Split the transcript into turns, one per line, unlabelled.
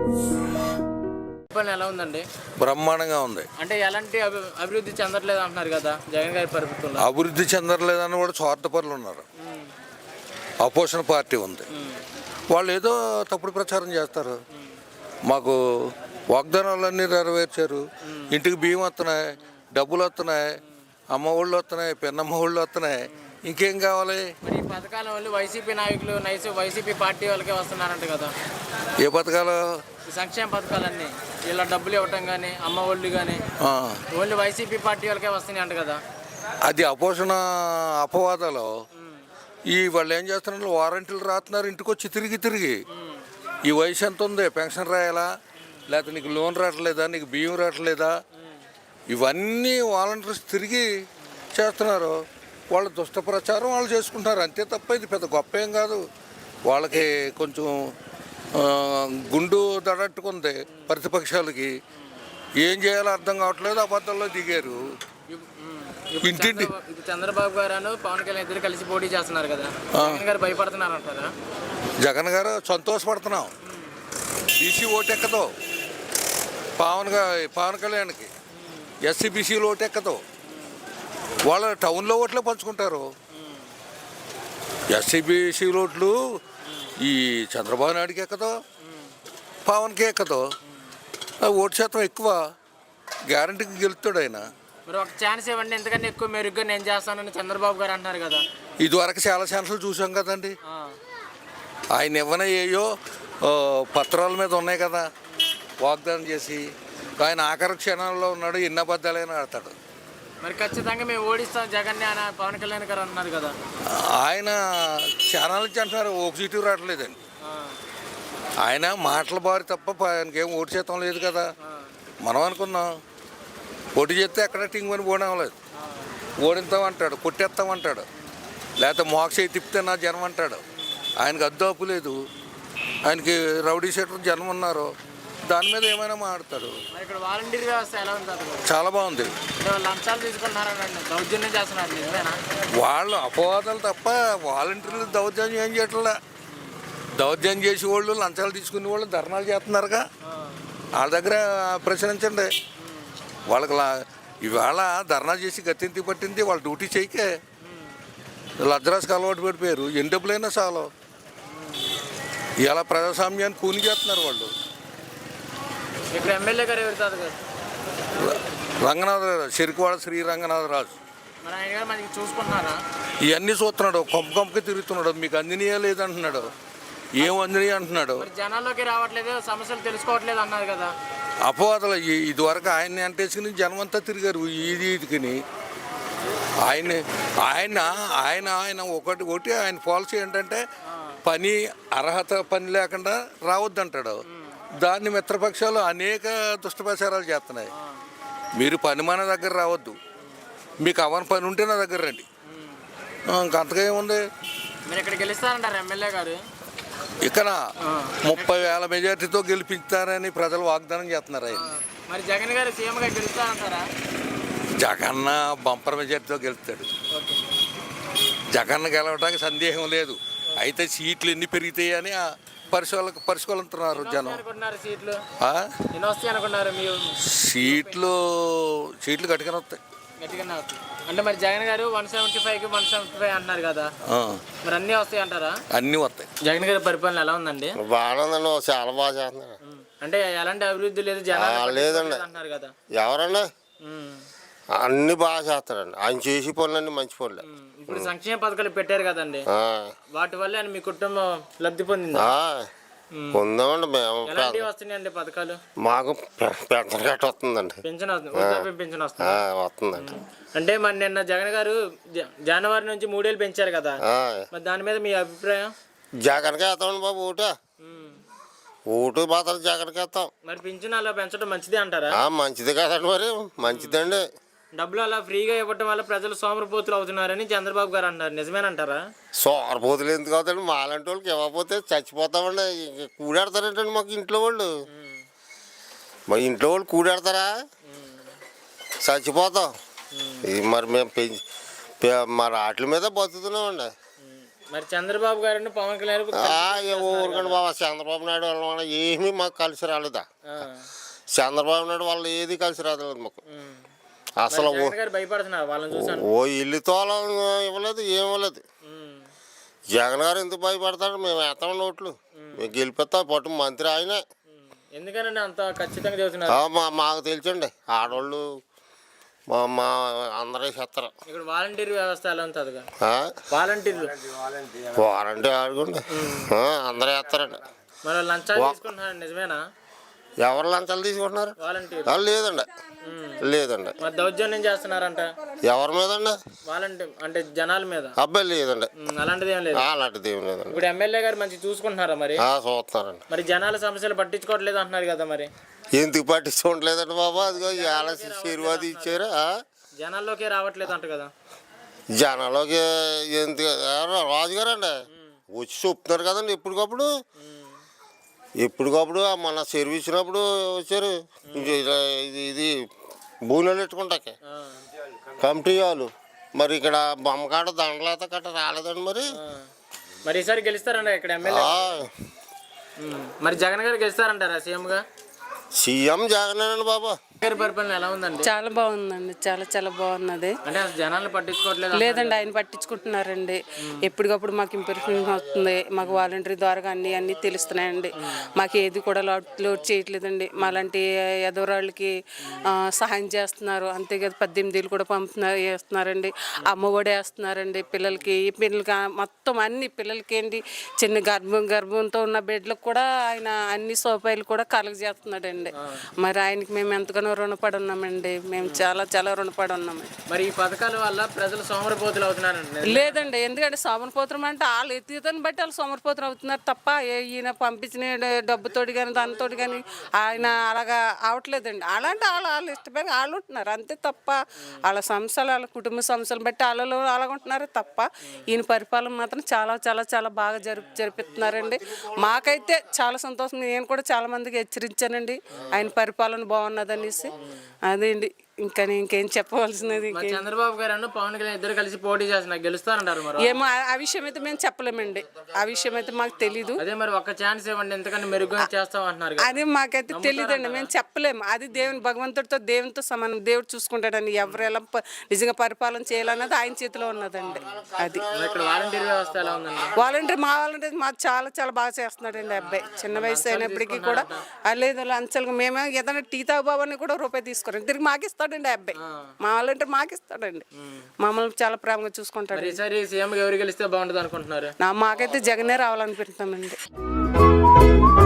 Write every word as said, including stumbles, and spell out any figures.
ఎలా ఉందండి?
బ్రహ్మాండంగా ఉంది.
అంటే ఎలాంటి అభివృద్ధి చెందట్లేదు అంటున్నారు కదా జగన్ గారి ప్రభుత్వంలో.
అభివృద్ధి చెందట్లేదని కూడా స్వార్థపరులు ఉన్నారు. అపోజిషన్ పార్టీ ఉంది, వాళ్ళు ఏదో తప్పుడు ప్రచారం చేస్తారు. మాకు వాగ్దానాలన్నీ నెరవేర్చారు, ఇంటికి బియ్యం వస్తున్నాయి, డబ్బులు వస్తున్నాయి, అమ్మ ఒళ్ళు వస్తున్నాయి, పెన్నమ్మ ఒళ్ళు వస్తున్నాయి, ఇంకేం కావాలి?
మరి ఈ పథకాల వల్ల వైసీపీ నాయకులు నైస్ వైసీపీ పార్టీ వాళ్ళకే వస్తున్నారంట కదా.
ఏ పథకాలు?
సంక్షేమ పథకాలన్నీ ఇలా డబ్బులు ఇవ్వటం కానీ అమ్మ ఒళ్ళు కానీ ఓన్లీ వైసీపీ పార్టీ వాళ్ళకే వస్తున్నాయి అంట కదా.
అది అపోషణ అపవాదాలు. ఈ వాళ్ళు ఏం చేస్తున్నారు, వారంటీలు రాస్తున్నారు ఇంటికి వచ్చి తిరిగి తిరిగి. ఈ వయసు ఎంత ఉంది, పెన్షన్ రాయాలా, లేకపోతే నీకు లోన్ రావట్లేదా, నీకు బియ్యం రావట్లేదా, ఇవన్నీ వాలంటీర్స్ తిరిగి చేస్తున్నారు. వాళ్ళ దుష్ట ప్రచారం వాళ్ళు చేసుకుంటున్నారు, అంతే తప్ప ఇది పెద్ద గొప్ప ఏం కాదు. వాళ్ళకి కొంచెం గుండు దడట్టుకుంది ప్రతిపక్షాలకి, ఏం చేయాలో అర్థం కావట్లేదు, అబద్ధాల్లో దిగారు. ఇంటింటి
చంద్రబాబు గారు పవన్ కళ్యాణ్ ఇద్దరు కలిసి పోటీ చేస్తున్నారు కదా, జగన్ గారు భయపడుతున్నారు అంటారా?
జగన్ గారు సంతోషపడుతున్నాం, బీసీ ఓటెక్కదు పవన్ పవన్ కళ్యాణ్కి, ఎస్సీ బీసీలు ఓటెక్కదు, వాళ్ళ టౌన్లో ఓట్లే పంచుకుంటారు. ఎస్సీ బీసీ ఓట్లు ఈ చంద్రబాబు నాయుడికి ఎక్కదు, పవన్కి ఎక్కదు. ఓటు శాతం ఎక్కువ, గ్యారంటీకి గెలుస్తాడు ఆయన.
మరి ఒక ఛాన్స్ ఇవ్వండి, ఎందుకంటే ఎక్కువ మెరుగ్గా నేను చేస్తానని చంద్రబాబు గారు అంటున్నారు కదా.
ఇదివరకు చాలా ఛాన్సులు చూసాం కదండి, ఆయన ఇవ్వనే ఏయో పత్రాల మీద ఉన్నాయి కదా వాగ్దానం చేసి. ఆయన ఆఖరి క్షణాల్లో ఉన్నాడు, ఎన్ని అబద్ధాలైనా ఆడతాడు.
మరి ఖచ్చితంగా మేము ఓడిస్తాం జగన్ అని పవన్ కళ్యాణ్ గారు అన్నారు కదా.
ఆయన ఛానల్ నుంచి అంటున్నారు, ఒక సీటు రావట్లేదండి. ఆయన మాటల బారి తప్ప ఆయనకి ఏం ఓటు శాతం లేదు కదా. మనం అనుకున్నాం పోటీ చేస్తే ఎక్కడ టింగ్ అని పోవడం లేదు, ఓడిస్తామంటాడు, కొట్టేస్తామంటాడు, లేకపోతే మోక్ష తిప్పితే నా జనం అంటాడు. ఆయనకు అద్దు అప్పు లేదు, ఆయనకి రౌడీ షీటర్ జనం ఉన్నారు, దాని మీద ఏమైనా మాట్లాడతారు.
ఇక్కడ వాలంటీర్ వ్యవస్థ ఎలా ఉంది?
చాలా బాగుంది.
లంచాలు తీసుకుంటున్నారని దౌర్జన్యం చేస్తున్నారు,
వాళ్ళు అపవాదాలు తప్ప వాలంటీర్లు దౌర్జన్యం ఏం చేయట్లా. దౌర్జన్యం చేసే వాళ్ళు, లంచాలు తీసుకునే వాళ్ళు ధర్నాలు చేస్తున్నారుగా, వాళ్ళ దగ్గర ప్రశ్నించండి. వాళ్ళకి ఇవాళ ధర్నా చేసి గతింతి పట్టింది, వాళ్ళ డ్యూటీ చేయకే లజ్రాస్కి అలవాటు పడిపోయారు. ఎన్ని డబ్బులైనా చాలు, ఇలా ప్రజాస్వామ్యాన్ని కూని చేస్తున్నారు వాళ్ళు.
ఇక్కడ ఎమ్మెల్యే గారు ఎవరు తాత గారు?
రంగనాథరాజు, చెరుకువాడ శ్రీ రంగనాథరాజు.
మరి ఆయన గారు మనకి చూసుకుంటున్నారా?
ఇవన్నీ చూస్తున్నాడు, కొంప కొంపకి తిరుగుతున్నాడు, మీకు అందినయా లేదంటున్నాడు, ఏం అందినయా అంటున్నాడు.
జనాల్లోకి రావట్లేదు, సమస్యలు తెలుసుకోవట్లేదు అన్నారు కదా.
అపవాదాలు. ఇదివరకు ఆయన్ని అంటేసుకుని జనం అంతా తిరిగారు ఇది ఇదికిని. ఆయన ఆయన ఆయన ఆయన ఒకటి ఒకటి ఆయన పాలసీ ఏంటంటే పని అర్హత పని లేకుండా రావద్దంటాడు. దాన్ని మిత్రపక్షాలు అనేక దుష్టప్రచారాలు చేస్తున్నాయి. మీరు పని మన దగ్గర రావద్దు, మీకు అవని పని ఉంటే నా దగ్గర రండి, ఇంకంతగా ఏముంది.
మీరు ఇక్కడ గెలుస్తారంటారు ఎమ్మెల్యే గారు?
ఇక్కడ ముప్పై వేల మెజార్టీతో గెలిపిస్తారని ప్రజలు వాగ్దానం చేస్తున్నారు. ఆయన
మరి జగన్ గారు సీఎంగా గెలుస్తారంటారా?
జగన్న బంపర్ మెజార్టీతో గెలుస్తాడు. జగన్ గెలవడానికి సందేహం లేదు. అయితే సీట్లు ఎన్ని పెరుగుతాయి అని పరిశోధన పరిశోధులుతున్నారు జనం. సీట్లు సీట్లు గట్టిగానే వస్తాయి.
అంటే మరి Jagan garu one seventy five కి వన్ సెవెంటీ ఫైవ్ అంటున్నారు కదా, మరి అన్ని వస్తాయి అంటారా?
అన్ని వస్తాయి.
జగన్ గారి పరిపాలన ఎలా ఉందండి?
బాగుందండి, చాలా బాగా చేస్తున్నారు.
అంటే ఎలాంటి అభివృద్ధి లేదు జనాలు
లేదండి
అంటున్నారు కదా.
ఎవరన్నా అన్ని బాగా చేస్తారండి, ఆయన చేసి పనులన్నీ మంచి పనులు.
ఇప్పుడు సంక్షేమ పథకాలు పెట్టారు కదండి, వాటి వల్ల మీ కుటుంబం లబ్ధి పొందింది?
పొందామండి మేము.
వస్తున్నాయండి పథకాలు?
మాకు పెన్షన్ గట్ట వస్తుందండి,
పెన్షన్ వస్తుంది, పెన్షన్
వస్తుందండి.
అంటే మరి నిన్న జగన్ గారు జనవరి నుంచి మూడేళ్ళు పెంచారు కదా, మరి దాని మీద మీ అభిప్రాయం?
జగన్కి వేస్తామండి బాబు, ఓటు ఓటు మాత్రం జగన్కి వేస్తాం.
మరి పింఛన్ అలా పెంచడం మంచిదే అంటారా?
మంచిది కదండి, మరి మంచిదండి.
డబ్బులు అలా ఫ్రీగా ఇవ్వటం వల్ల ప్రజలు సోమరపోతులు అవుతున్నారని చంద్రబాబు గారు అంటారు, నిజమేనంటారా?
సోమరపోతులు ఎందుకు అవుతాడు, మాలాంటి వాళ్ళకి ఇవ్వకపోతే చచ్చిపోతామండి. కూడాడతారంటండి మాకు ఇంట్లో వాళ్ళు, మా ఇంట్లో వాళ్ళు కూడాడతారా, చచ్చిపోతాం. మరి మేము పెంచి మరి వాటి మీద బతుకుతున్నామండి.
మరి చంద్రబాబు గారిని పవన్ కళ్యాణ్
ఊరుకండి బాబా, చంద్రబాబు నాయుడు వాళ్ళ వల్ల ఏమీ మాకు కలిసి రాలేదా?
ఆ.
చంద్రబాబు నాయుడు వాళ్ళు ఏది కలిసి రాలేదు మాకు
ఉమ్.
అసలు. ఓ-
జగన్ గారు భయపడుతున్నారు వాళ్ళని చూసాను.
ఓ ఇల్లు తోలం ఇవ్వలేదు, ఏం ఇవ్వలేదు.
ఉమ్.
జగన్ గారు ఎందుకు భయపడతాడు? మేము వేస్తాం నోట్లు, మేము గెలిపిస్తాం. పట్టు మంత్రి ఆయనే.
ఉమ్. ఎందుకనండి అంత ఖచ్చితంగా చెబుతున్నారు?
ఆ, మా మాకు తెలిసండి, ఆడవాళ్ళు మా మా అందరూ చేస్తారు.
ఇక్కడ వాలంటీర్ వ్యవస్థ ఎలా ఉంటుందిగా? వాలంటీర్లు
వారంటీ ఆడుకోండి, అందరూ వేస్తారండి.
మరి వాళ్ళు లంచాలు తీసుకుంటున్నారు, నిజమేనా?
ఎవరు లంచాలు తీసుకుంటున్నారు?
వాలంటీర్
ఆ, లేదండి, లేదండి.
మరి దౌర్జన్యం చేస్తున్నారంట
ఎవరి మీద అండి?
వాలంటీర్ అంటే జనాల మీద.
అబ్బాయి లేదండి,
ఉమ్, అలాంటిది ఏం లేదు.
ఆ, అలాంటిది ఏం లేదండి.
ఇప్పుడు ఎమ్మెల్యే గారు మంచి చూసుకుంటున్నారా మరి?
ఆ, చూస్తున్నారండి.
మరి జనాల సమస్యలు పట్టించుకోవట్లేదు అంటున్నారు కదా మరి?
ఎందుకు పట్టించుకోవట్లేదండి బాబా? అదిగో ఇవాళ శీర్వాది ఇచ్చారు. ఆ?
జనాల్లోకే రావట్లేదు అంట కదా?
జనాలకి ఎందుకు రాజుగారు అండి వచ్చి చెప్తున్నారు కదండి ఎప్పటికప్పుడు. ఎప్పటికప్పుడు మన సర్వీస్ ఇచ్చినప్పుడు వచ్చారు. ఇది ఇది ఇది భూనెలు పెట్టుకుంటాకే
ఆ.
కమిటీ వాళ్ళు. మరి ఇక్కడ బొమ్మకాడ దండలేత కట్ట రాలేదండి మరి.
ఆ. మరి ఈసారి గెలుస్తారంట ఇక్కడ ఎమ్మెల్యే?
ఆ,
ఉమ్. మరి జగన్ గారు గెలుస్తారంటారా సీఎంగా?
సీఎం జగనేనండి బాబా.
గారి పరిపాలన ఎలా ఉందండి?
చాలా బాగుందండి, చాలా చాలా బాగున్నది.
అంటే అసలు జనాలను పట్టించుకోవట్లేదు?
లేదండి, ఆయన పట్టించుకుంటున్నారండి. ఎప్పటికప్పుడు మాకు ఇంప్రూవ్మెంట్ అవుతుంది. మాకు వాలంటరీ ద్వారా అన్ని అన్నీ తెలుస్తున్నాయండి. మాకు ఏది కూడా లోడ్ లోడ్ చేయట్లేదండి. మాలాంటి ఎదవరాళ్ళకి ఆ, సహాయం చేస్తున్నారు. అంతే కదా, పద్దెనిమిది ఏళ్ళు కూడా పంపుతున్నారు, వేస్తున్నారండి. అమ్మఒడి వేస్తున్నారండి పిల్లలకి. ఈ పిల్లలకి ఆ, మొత్తం అన్ని పిల్లలకి ఏంటి, చిన్న గర్భం గర్భంతో ఉన్న బిడ్డలకు కూడా ఆయన అన్ని సౌకర్యాలు కూడా కలగజేస్తున్నాడండి. మరి ఆయనకి మేము ఎంతగానో రుణపడి ఉన్నామండి. మేము చాలా చాలా రుణపడి ఉన్నామండి.
మరి ఈ పథకాల వల్ల ప్రజలు సోమరపోతులు అవుతున్నారండి?
లేదండి, ఎందుకంటే సోమరపోత్రం అంటే వాళ్ళు ఎత్తుదని బట్టి వాళ్ళు సోమరపోత్రం అవుతున్నారు తప్ప ఏ- ఈయన పంపించిన డబ్బుతోటి కానీ దానితోటి కానీ ఆయన అలాగా అవట్లేదండి. అలాంటి వాళ్ళు వాళ్ళు ఇష్టపడి వాళ్ళు ఉంటున్నారు అంతే తప్ప వాళ్ళ సంస్థలు వాళ్ళ కుటుంబ సంస్థలు బట్టి వాళ్ళు అలాగుంటున్నారు తప్ప ఈయన పరిపాలన మాత్రం చాలా చాలా చాలా బాగా జరుపు జరిపిస్తున్నారండి. మాకైతే చాలా సంతోషం. నేను కూడా చాలా మందికి హెచ్చరించానండి ఆయన పరిపాలన బాగున్నదనేసి. అదేండి, ఇంకా నేను ఇంకేం చెప్పవలసినది
మరి చంద్రబాబు గారు పవన్ కళ్యాణ్ ఇద్దరు కలిసి పోటీ చేస్తున్నారు, గెలుస్తారంటారు మరి?
ఏమో ఆ- ఆ విషయం అయితే మేము చెప్పలేమండి. ఆ విషయం అయితే మాకు తెలీదు.
అదే మరి ఒక్క ఛాన్స్ ఇవ్వండి, ఎందుకంటే మెరుగ్గా చేస్తాం అంటున్నారు కదా?
అది మాకైతే తెలియదండి, మేము చెప్పలేము. అది దేవుని భగవంతుడితో దేవునితో సమానం. దేవుడు చూసుకుంటాడండి ఎవరు ఎలా ప- నిజంగా పరిపాలన చేయాలన్నది ఆయన చేతిలో ఉన్నదండి. అది
మరి ఇక్కడ వాలంటీర్ వ్యవస్థ ఎలా ఉందండి?
వాలంటీర్ మా వాలంటీర్ మాకు చాలా చాలా బాగా చేస్తున్నాడండి అబ్బాయి. చిన్న వయసు అయినప్పటికీ కూడా ఆ, లేదు లంచాలుగా మేమే ఏదైనా టీ తాగుబాబని కూడా రూపాయి తీసుకోరండి, తిరిగి మాకు ఇస్తాడండి ఆ అబ్బాయి. మా వాలంటీర్ మాకు ఇస్తాడండి. మమ్మల్ని చాలా ప్రేమగా చూసుకుంటాడు.
మరి ఈసారి సీఎం ఎవరు గెలిస్తే బాగుంటుంది అనుకుంటున్నారు?
నా మాకైతే జగనే రావాలనిపిస్తామండి.